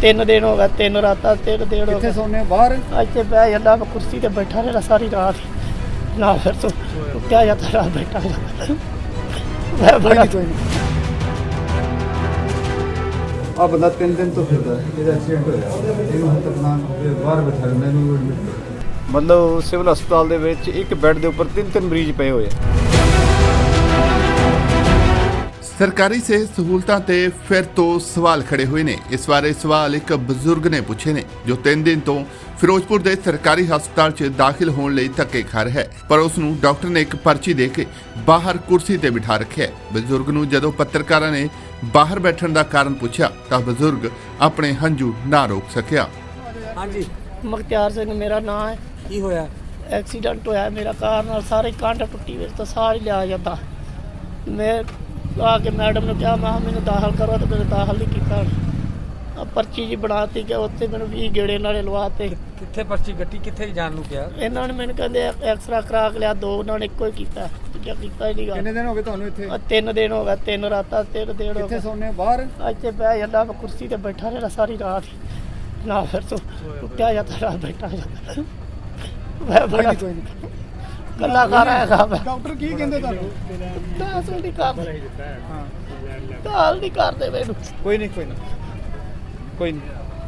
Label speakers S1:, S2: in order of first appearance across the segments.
S1: 3 दिन हो गए, 3 रात 3 दिन हो
S2: कितने
S1: गए।
S2: सोने बाहर
S1: ਇੱਥੇ ਬਹਿ ਜਾਂਦਾ ਮੈਂ ਕੁਰਸੀ ਤੇ ਬੈਠਾ ਰਿਹਾ ਸਾਰੀ ਰਾਤ ਨਾ ਫਿਰ ਤੋਂ ਉੱਠਿਆ ਜਾਂਦਾ ਰਾਤ ਬੈਠਾ ਰਿਹਾ। ਮੈਂ ਬੜਾ
S2: कोई नहीं ਆ ਬੰਦਾ 3 ਦਿਨ ਤੋਂ ਫਿਰਦਾ ਇਹਦਾ ਐਕਸੀਡੈਂਟ ਹੋਇਆ ਇਹਨੂੰ ਹੁਣ ਤੱਕ ਨਾ ਬਾਹਰ ਬਿਠਾ ਲੈਂਦਾ ਇਹਨੂੰ ਐਡਮਿਟ
S3: ਮਤਲਬ ਸਿਵਲ ਹਸਪਤਾਲ ਦੇ ਵਿੱਚ ਇੱਕ ਬੈੱਡ ਦੇ ਉੱਪਰ 3 ਮਰੀਜ਼ ਪਏ ਹੋਏ ਆ।
S4: ਸਰਕਾਰੀ ਸਿਹਤ ਸਹੂਲਤਾਂ ਤੇ ਫਿਰ ਤੋਂ ਸਵਾਲ ਖੜੇ ਹੋਏ ਨੇ। ਇਸ ਬਾਰੇ ਸਵਾਲ ਇੱਕ ਬਜ਼ੁਰਗ ਨੇ ਪੁੱਛੇ ਨੇ ਜੋ 3 ਦਿਨ ਤੋਂ ਫਿਰੋਜ਼ਪੁਰ ਦੇ ਸਰਕਾਰੀ ਹਸਪਤਾਲ 'ਚ ਦਾਖਲ ਹੋਣ ਲਈ ਧੱਕੇ ਖਾ ਰਿਹਾ ਹੈ, ਪਰ ਉਸ ਨੂੰ ਡਾਕਟਰ ਨੇ ਇੱਕ ਪਰਚੀ ਦੇ ਕੇ ਬਾਹਰ ਕੁਰਸੀ ਤੇ ਬਿਠਾ ਰੱਖਿਆ। ਬਜ਼ੁਰਗ ਨੂੰ ਜਦੋਂ ਪੱਤਰਕਾਰਾਂ ਨੇ ਬਾਹਰ ਬੈਠਣ ਦਾ ਕਾਰਨ ਪੁੱਛਿਆ ਤਾਂ ਬਜ਼ੁਰਗ ਆਪਣੇ ਹੰਝੂ ਨਾ ਰੋਕ ਸਕਿਆ।
S2: ਹਾਂਜੀ
S1: ਮੁਖਤਿਆਰ ਸਿੰਘ ਮੇਰਾ ਨਾਮ ਹੈ।
S2: ਕੀ ਹੋਇਆ
S1: ਐਕਸੀਡੈਂਟ ਹੋਇਆ ਮੇਰਾ ਕਾਰ ਨਾਲ, ਸਾਰੇ ਕੰਧ ਟੁੱਟੀ ਵਿੱਚ ਤਾਂ ਸਾਹ ਹੀ ਲਿਆ ਜਾਂਦਾ। ਮੈਂ ਆ ਕੇ ਮੈਡਮ ਨੂੰ ਕਿਹਾ ਮੈਂ ਕਿਹਾ ਮੈਨੂੰ ਦਾਖਲ ਕਰੋ, ਤੇ ਮੈਨੂੰ ਦਾਖਲ ਨਹੀਂ ਕੀਤਾ। ਆ ਪਰਚੀ ਜੀ ਬਣਾਤੀ ਕਿ ਉੱਥੇ ਮੈਨੂੰ 20 ਗੇੜੇ ਨਾਲੇ ਲਵਾਤੇ।
S2: ਕਿੱਥੇ ਪਰਚੀ ਗੱਟੀ ਕਿੱਥੇ ਜਾਣ ਨੂੰ ਕਿਹਾ
S1: ਇਹਨਾਂ ਨੇ ਮੈਨੂੰ ਕਹਿੰਦੇ ਐਕਸਰਾ ਕਰਾ ਕੇ ਲਿਆ, 2 ਉਹਨਾਂ ਨੇ ਇੱਕੋ ਹੀ ਕੀਤਾ, ਦੂਜਾ ਕੀਤਾ ਹੀ ਨਹੀਂ ਗਾ।
S2: ਕਿੰਨੇ ਦਿਨ ਹੋ ਗਏ ਤੁਹਾਨੂੰ ਇੱਥੇ
S1: 3 दिन हो गए, 3 रात 3 दिन हो
S2: ਕਿੱਥੇ
S1: गए।
S2: ਸੋਨੇ ਬਾਹਰ
S1: ਇੱਥੇ ਬਹਿ ਜਾਂਦਾ ਮੈਂ ਕੁਰਸੀ ਤੇ ਬੈਠਾ ਰਿਹਾ ਸਾਰੀ ਰਾਤ ਨਾ ਫਿਰ ਤੋਂ ਉੱਠਿਆ ਜਾਂਦਾ ਰਾਤ ਬੈਠਾ ਜਾਂਦਾ। ਮੈਂ ਬੜਾ
S2: ਕੋਈ ਨਹੀਂ
S1: ਗੱਲਾਂ ਕਰ ਰਿਹਾ ਮੈਂ
S2: ਡਾਕਟਰ ਕੀ ਕਹਿੰਦੇ ਤੁਹਾਨੂੰ
S1: ਦਾਸ ਨਹੀਂ ਕਰਦੇ,
S2: ਹਾਂ
S1: ਦਾਲ ਨਹੀਂ ਕਰਦੇ ਮੈਨੂੰ।
S2: ਕੋਈ ਨਹੀਂ ਕੋਈ ਨਹੀਂ ਕੋਈ ਨਹੀਂ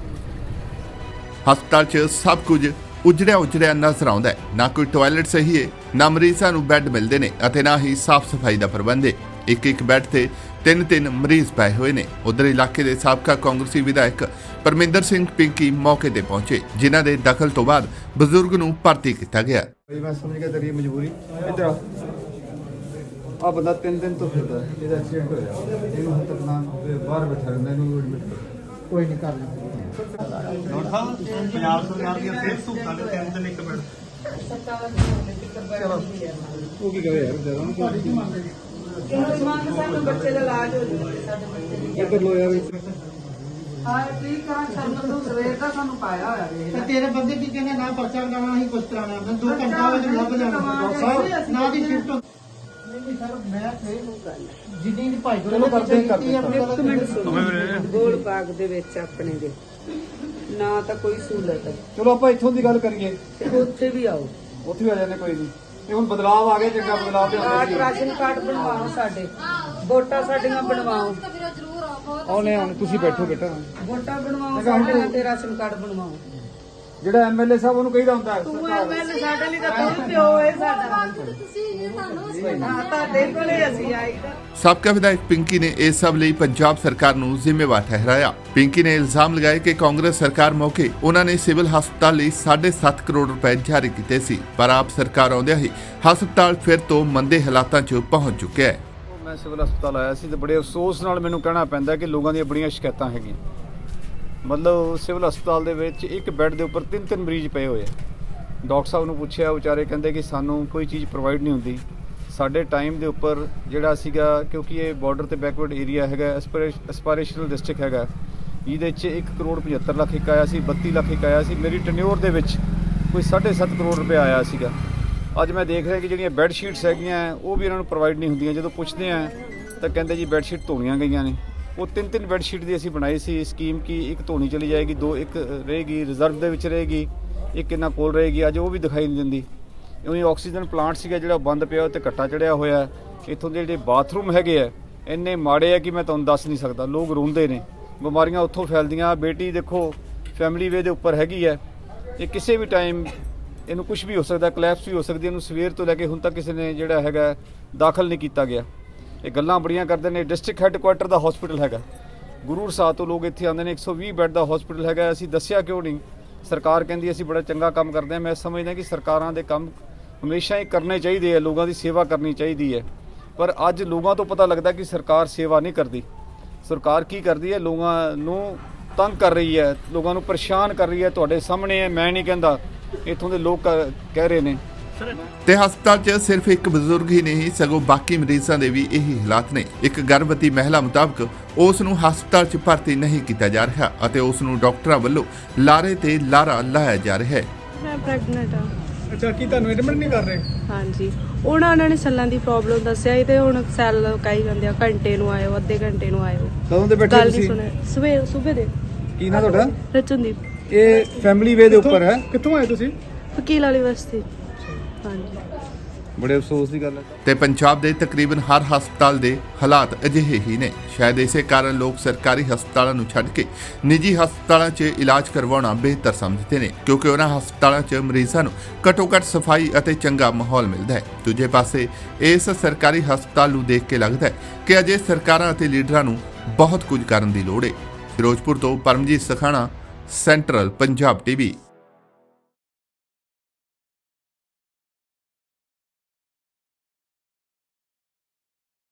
S4: ਹਸਪਤਾਲ 'ਚ ਸਭ ਕੁਝ ਉਜੜਿਆ ਨਜ਼ਰ ਆਉਂਦਾ ਹੈ। ਨਾ ਕੋਈ ਟਾਇਲਟ ਸਹੀ ਹੈ, ਨਾ ਮਰੀਜ਼ਾਂ ਨੂੰ ਬੈੱਡ ਮਿਲਦੇ ਨੇ ਅਤੇ ਨਾ ਹੀ ਸਾਫ਼ ਸਫਾਈ ਦਾ ਪ੍ਰਬੰਧ ਹੈ। ਇੱਕ ਬੈੱਡ ਤੇ 3 ਮਰੀਜ਼ ਪਏ ਹੋਏ ਨੇ। ਉਧਰ ਇਲਾਕੇ ਦੇ ਸਾਬਕਾ ਕਾਂਗਰਸੀ ਵਿਧਾਇਕ ਪਰਮਿੰਦਰ ਸਿੰਘ ਪਿੰਕੀ ਮੌਕੇ ਤੇ ਪਹੁੰਚੇ, ਜਿਨ੍ਹਾਂ ਦੇ ਦਖਲ ਤੋਂ ਬਾਅਦ ਬਜ਼ੁਰਗ ਨੂੰ ਭਰਤੀ ਕੀਤਾ ਗਿਆ।
S2: ਮੈਂ ਸਮਝ ਗਿਆ ਤੇਰੀ ਮਜਬੂਰੀ। ਇੱਧਰ ਆ ਬੰਦਾ 3 ਦਿਨ ਤੋਂ ਫਿਰਦਾ ਇਹਦਾ ਐਕਸੀਡੈਂਟ ਹੋਇਆ ਇਹਨੂੰ ਹੁਣ ਤੱਕ ਨਾ ਬਾਹਰ ਬਿਠਾ ਲੈਂਦਾ ਇਹਨੂੰ ਐਡਮਿਟ ਕੋਈ ਨਹੀਂ ਕਰ ਲੈਂਦਾ
S5: ਡਾਕਟਰ ਸਾਹਿਬ ਪੰਜਾਬ ਸਰਕਾਰ ਦੀਆਂ ਸਿਹਤ ਸਹੂਲਤਾਂ ਦੇ 3 ਦਿਨ ਇੱਕ ਮਿੰਟ
S2: ਉਹ ਕੀ ਕਰੇ ਯਾਰ ਜਦੋਂ
S6: ਸਾਨੂੰ ਬੱਚੇ ਦਾ ਇਲਾਜ ਹੋ ਜਾਵੇ ਸਾਡੇ ਬੱਚੇ ਦੀ।
S2: ਇੱਧਰ ਲੋ ਯਾਰ
S6: ਹਾਂ ਠੀਕ ਕਰਾਂ ਸ਼ਰਮ ਤੋਂ ਸਵੇਰ ਦਾ ਸਾਨੂੰ ਪਾਇਆ ਹੋਇਆ ਵੇਖ
S7: ਤੇ ਤੇਰੇ ਬੰਦੇ ਕੀ ਕਹਿੰਦੇ ਨਾ ਪਰਚਾ ਕਰਾਉਣਾ ਹੀ ਕੁਛ ਕਰਾਉਣਾ ਮੈਂ 2 ਘੰਟਾ ਵਿੱਚ ਲੱਭ ਜਾਣਾ ਡਾਕਟਰ ਸਾਹਿਬ ਨਾ ਦੀ ਸ਼ਿਫਟ ਨਹੀਂ ਸਰ ਮੈਂ ਤੇ ਜਿੰਨੀ ਦੀ ਭਾਈ
S2: ਚਲੋ ਕਰਦੇ ਹੀ ਕਰਦੇ
S6: ਇੱਕ ਮਿੰਟ ਸੁਣੋ ਗੋਲ ਬਾਗ ਦੇ ਵਿੱਚ ਆਪਣੇ ਦੇ ਨਾ ਤਾਂ ਕੋਈ ਸਹੂਲਤ ਹੈ
S2: ਚਲੋ ਆਪਾਂ ਇੱਥੋਂ ਦੀ ਗੱਲ ਕਰੀਏ
S6: ਤੇ ਉੱਥੇ ਵੀ ਆਓ।
S2: ਉੱਥੇ ਵੀ ਆ ਜਾਂਦੇ ਕੋਈ ਨਹੀਂ। ਤੇ ਹੁਣ ਬਦਲਾਅ ਆ ਗਏ, ਚੰਗਾ ਬਦਲਾਅ ਤੇ ਆਉਂਦਾ ਜੀ।
S6: ਰਾਸ਼ਨ ਕਾਰਡ ਬਣਵਾਓ, ਸਾਡੇ ਵੋਟਾਂ ਸਾਡੀਆਂ ਬਣਵਾਓ।
S2: ਆਉਣੇ ਆਉਣੇ ਤੁਸੀਂ ਬੈਠੋ ਬੇਟਾ।
S6: ਵੋਟਾਂ ਬਣਵਾਓ ਸਾਡੀਆਂ ਤੇ ਰਾਸ਼ਨ ਕਾਰਡ ਬਣਵਾਓ।
S2: ਜਿਹੜਾ ਐਮਐਲਏ ਸਾਹਿਬ ਉਹਨੂੰ ਕਹੀਦਾ ਹੁੰਦਾ
S6: ਤੂੰ ਐਮਐਲਏ ਸਾਡੇ ਲਈ ਤਾਂ ਤੂੰ ਪਿਓ ਹੈ ਸਾਡਾ। ਹਾਂ ਤੁਹਾਡੇ ਕੋਲੇ ਅਸੀਂ ਆਈਦਾ।
S4: ਸਾਬਕਾ ਵਿਧਾਇਕ ਪਿੰਕੀ ਨੇ ਇਸ ਸਭ ਲਈ ਪੰਜਾਬ ਸਰਕਾਰ ਨੂੰ ਜ਼ਿੰਮੇਵਾਰ ਠਹਿਰਾਇਆ। ਪਿੰਕੀ ਨੇ ਇਲਜ਼ਾਮ ਲਗਾਇਆ ਕਿ ਕਾਂਗਰਸ ਸਰਕਾਰ ਮੌਕੇ ਉਹਨਾਂ ਨੇ ਸਿਵਲ ਹਸਪਤਾਲ ਲਈ 7.5 ਕਰੋੜ ਰੁਪਏ ਜਾਰੀ ਕੀਤੇ ਸੀ, ਪਰ ਆਪ ਸਰਕਾਰ ਆਉਂਦਿਆਂ ਹੀ ਹਸਪਤਾਲ ਫਿਰ ਤੋਂ ਮੰਦੇ ਹਾਲਾਤਾਂ 'ਚ ਪਹੁੰਚ ਚੁੱਕਿਆ ਹੈ।
S3: ਮੈਂ ਸਿਵਲ ਹਸਪਤਾਲ ਆਇਆ ਸੀ ਤੇ ਬੜੇ ਅਫਸੋਸ ਨਾਲ ਮੈਨੂੰ ਕਹਿਣਾ ਪੈਂਦਾ ਕਿ ਲੋਕਾਂ ਦੀਆਂ ਬੜੀਆਂ ਸ਼ਿਕਾਇਤਾਂ ਹੈਗੀਆਂ। ਮਤਲਬ ਸਿਵਲ ਹਸਪਤਾਲ ਦੇ ਵਿੱਚ ਇੱਕ ਬੈੱਡ ਦੇ ਉੱਪਰ 3 ਮਰੀਜ਼ ਪਏ ਹੋਏ ਆ। ਡਾਕਟਰ ਸਾਹਿਬ ਨੂੰ ਪੁੱਛਿਆ, ਵਿਚਾਰੇ ਕਹਿੰਦੇ ਕਿ ਸਾਨੂੰ ਕੋਈ ਚੀਜ਼ ਪ੍ਰੋਵਾਈਡ ਨਹੀਂ ਹੁੰਦੀ। ਸਾਡੇ ਟਾਈਮ ਦੇ ਉੱਪਰ ਜਿਹੜਾ ਸੀਗਾ, ਕਿਉਂਕਿ ਇਹ ਬਾਰਡਰ ਤੇ ਬੈਕਵਰਡ ਏਰੀਆ ਹੈਗਾ, ਐਸਪੀਰੇਸ਼ਨਲ ਡਿਸਟ੍ਰਿਕਟ ਹੈਗਾ, ਇਹਦੇ 'ਚ 1 ਕਰੋੜ 75 ਲੱਖ ਇੱਕ ਆਇਆ ਸੀ, 32 ਲੱਖ ਇੱਕ ਆਇਆ ਸੀ। ਮੇਰੀ ਟੈਨਿਓਰ ਦੇ ਵਿੱਚ ਕੋਈ 7.5 ਕਰੋੜ ਰੁਪਏ ਆਇਆ ਸੀਗਾ। ਅੱਜ ਮੈਂ ਦੇਖ ਰਿਹਾ ਕਿ ਜਿਹੜੀਆਂ ਬੈੱਡ ਸ਼ੀਟਸ ਹੈਗੀਆਂ ਉਹ ਵੀ ਇਹਨਾਂ ਨੂੰ ਪ੍ਰੋਵਾਈਡ ਨਹੀਂ ਹੁੰਦੀਆਂ। ਜਦੋਂ ਪੁੱਛਦੇ ਆ ਤਾਂ ਕਹਿੰਦੇ ਜੀ ਬੈੱਡ ਸ਼ੀਟ ਧੋਣੀਆਂ ਗਈਆਂ ਨੇ। ਉਹ 3 ਬੈੱਡ ਸ਼ੀਟ ਦੀ ਅਸੀਂ ਬਣਾਈ ਸੀ ਸਕੀਮ ਕਿ ਇੱਕ ਧੋਣੀ ਚਲੀ ਜਾਏਗੀ, 2 ਇੱਕ ਰਹੇਗੀ ਰਿਜ਼ਰਵ ਦੇ ਵਿੱਚ ਰਹੇਗੀ, ਇੱਕ ਇਹਨਾਂ ਕੋਲ ਰਹੇਗੀ। ਅੱਜ ਉਹ ਵੀ ਦਿਖਾਈ ਨਹੀਂ ਦਿੰਦੀ। ਉਹੀ ਆਕਸੀਜਨ ਪਲਾਂਟ ਸੀਗਾ ਜਿਹੜਾ ਬੰਦ ਪਿਆ, ਉਹ ਤੇ ਕੱਟਾ ਚੜਿਆ ਹੋਇਆ। ਇੱਥੋਂ ਦੇ ਜਿਹੜੇ ਬਾਥਰੂਮ ਹੈਗੇ ਆ ਇੰਨੇ ਮਾੜੇ ਆ ਕਿ ਮੈਂ ਤੁਹਾਨੂੰ ਦੱਸ ਨਹੀਂ ਸਕਦਾ। ਲੋਕ ਰੋਂਦੇ ਨੇ, ਬਿਮਾਰੀਆਂ ਉੱਥੋਂ ਫੈਲਦੀਆਂ। ਬੇਟੀ ਦੇਖੋ ਫੈਮਿਲੀ ਵੇ ਦੇ ਉੱਪਰ ਹੈਗੀ ਹੈ, ਇਹ ਕਿਸੇ ਵੀ ਟਾਈਮ ਇਹਨੂੰ ਕੁਝ ਵੀ ਹੋ ਸਕਦਾ, ਕਲੈਪਸ ਵੀ ਹੋ ਸਕਦੀ। ਇਹਨੂੰ ਸਵੇਰ ਤੋਂ ਲੈ ਕੇ ਹੁਣ ਤੱਕ ਕਿਸੇ ਨੇ ਜਿਹੜਾ ਹੈਗਾ ਦਾਖਲ ਨਹੀਂ ਕੀਤਾ ਗਿਆ। ਇਹ ਗੱਲਾਂ ਬੜੀਆਂ ਕਰਦੇ ਨੇ। ਡਿਸਟ੍ਰਿਕਟ ਹੈੱਡਕੁਆਟਰ ਦਾ ਹਸਪੀਟਲ ਹੈਗਾ, ਗੁਰੂ ਸਾਹਿਬ ਤੋਂ ਲੋਕ ਇੱਥੇ ਆਉਂਦੇ ਨੇ। 120 ਬੈੱਡ ਦਾ ਹਸਪੀਟਲ ਹੈਗਾ। ਅਸੀਂ ਦੱਸਿਆ ਕਿਉਂ ਨਹੀਂ? ਸਰਕਾਰ ਕਹਿੰਦੀ ਅਸੀਂ ਬੜਾ ਚੰਗਾ ਕੰਮ ਕਰਦੇ ਹਾਂ। ਮੈਂ ਸਮਝਦਾ ਕਿ ਸਰਕਾਰਾਂ ਦੇ ਕੰਮ ਹਮੇਸ਼ਾ ਹੀ ਕਰਨੇ ਚਾਹੀਦੇ ਆ, ਲੋਕਾਂ ਦੀ ਸੇਵਾ ਕਰਨੀ ਚਾਹੀਦੀ ਹੈ। ਪਰ ਅੱਜ ਲੋਕਾਂ ਤੋਂ ਪਤਾ ਲੱਗਦਾ ਕਿ ਸਰਕਾਰ ਸੇਵਾ ਨਹੀਂ ਕਰਦੀ। ਸਰਕਾਰ ਕੀ ਕਰਦੀ ਹੈ? ਲੋਕਾਂ ਨੂੰ ਤੰਗ ਕਰ ਰਹੀ ਹੈ, ਲੋਕਾਂ ਨੂੰ ਪਰੇਸ਼ਾਨ ਕਰ ਰਹੀ ਹੈ। ਤੁਹਾਡੇ ਸਾਹਮਣੇ ਹੈ, ਮੈਂ ਨਹੀਂ ਕਹਿੰਦਾ, ਇੱਥੋਂ ਦੇ ਲੋਕ ਕਹਿ ਰਹੇ ਨੇ।
S4: ਤੇ ਹਸਪਤਾਲ 'ਚ ਸਿਰਫ ਇੱਕ ਬਜ਼ੁਰਗ ਹੀ ਨਹੀਂ ਸਗੋਂ ਬਾਕੀ ਮਰੀਜ਼ਾਂ ਦੇ ਵੀ ਇਹੀ ਹਾਲਾਤ ਨੇ। ਇੱਕ ਗਰਭਵਤੀ ਮਹਿਲਾ ਮੁਤਾਬਕ ਉਸ ਨੂੰ ਹਸਪਤਾਲ 'ਚ ਭਰਤੀ ਨਹੀਂ ਕੀਤਾ ਜਾ ਰਿਹਾ ਅਤੇ ਉਸ ਨੂੰ ਡਾਕਟਰਾਂ ਵੱਲੋਂ ਲਾਰੇ ਤੇ ਲਾਰਾ ਲਾਇਆ ਜਾ ਰਿਹਾ ਹੈ।
S8: ਮੈਂ ਪ੍ਰੈਗਨੈਂਟ ਹਾਂ।
S2: ਅੱਛਾ, ਕੀ ਤੁਹਾਨੂੰ ਐਡਮਿਟ ਨਹੀਂ ਕਰ ਰਹੇ?
S8: ਹਾਂਜੀ, ਉਹਨਾਂ ਨੇ ਸੈੱਲਾਂ ਦੀ ਪ੍ਰੋਬਲਮ ਦੱਸਿਆ ਤੇ ਹੁਣ ਸੈੱਲ ਕਹੀ ਜਾਂਦੇ ਆ ਘੰਟੇ ਨੂੰ ਆਇਓ, ਅੱਧੇ ਘੰਟੇ ਨੂੰ ਆਇਓ।
S2: ਕਦੋਂ ਦੇ ਬੈਠੇ
S8: ਗੱਲ ਨਹੀਂ
S2: ਤੁਸੀਂ?
S8: ਸੁਣੇ, ਸਵੇਰ ਦੇ
S2: ਕੀ ਨਾ ਤੁਹਾਡਾ?
S8: ਰਚਨਦੀਪ
S2: ਇਹ ਫੈਮਿਲੀ ਵੇ ਦੇ ਉੱਪਰ ਹੈ।
S5: ਕਿੱਥੋਂ ਆਏ ਤੁਸੀਂ?
S8: ਵਕੀਲ ਵਾਲੀ ਬਸਤੀ। ਹਾਂਜੀ।
S2: ਬੜੇ ਅਫਸੋਸ ਦੀ ਗੱਲ ਹੈ।
S4: ਤੇ ਪੰਜਾਬ ਦੇ ਤਕਰੀਬਨ ਹਰ ਹਸਪਤਾਲ ਦੇ ਹਾਲਾਤ ਅਜਿਹੇ ਹੀ ਨੇ। ਸ਼ਾਇਦ ਇਸੇ ਕਾਰਨ ਲੋਕ ਸਰਕਾਰੀ ਹਸਪਤਾਲਾਂ ਨੂੰ ਛੱਡ ਕੇ ਨਿੱਜੀ ਹਸਪਤਾਲਾਂ 'ਚ ਇਲਾਜ ਕਰਵਾਉਣਾ ਬਿਹਤਰ ਸਮਝਦੇ ਨੇ, ਕਿਉਂਕਿ ਉਹਨਾਂ ਹਸਪਤਾਲਾਂ 'ਚ ਮਰੀਜ਼ਾਂ ਨੂੰ ਘੱਟੋ-ਘੱਟ ਸਫਾਈ ਅਤੇ ਚੰਗਾ ਮਾਹੌਲ ਮਿਲਦਾ ਹੈ। ਦੂਜੇ ਪਾਸੇ ਇਸ ਸਰਕਾਰੀ ਹਸਪਤਾਲ ਨੂੰ ਦੇਖ ਕੇ ਲੱਗਦਾ ਹੈ ਕਿ ਅਜੇ ਸਰਕਾਰਾਂ ਅਤੇ ਲੀਡਰਾਂ ਨੂੰ ਬਹੁਤ ਕੁਝ ਕਰਨ ਦੀ ਲੋੜ ਹੈ। ਫਿਰੋਜ਼ਪੁਰ ਤੋਂ ਪਰਮਜੀਤ ਸਖਾਣਾ, ਸੈਂਟਰਲ ਪੰਜਾਬ ਟੀਵੀ।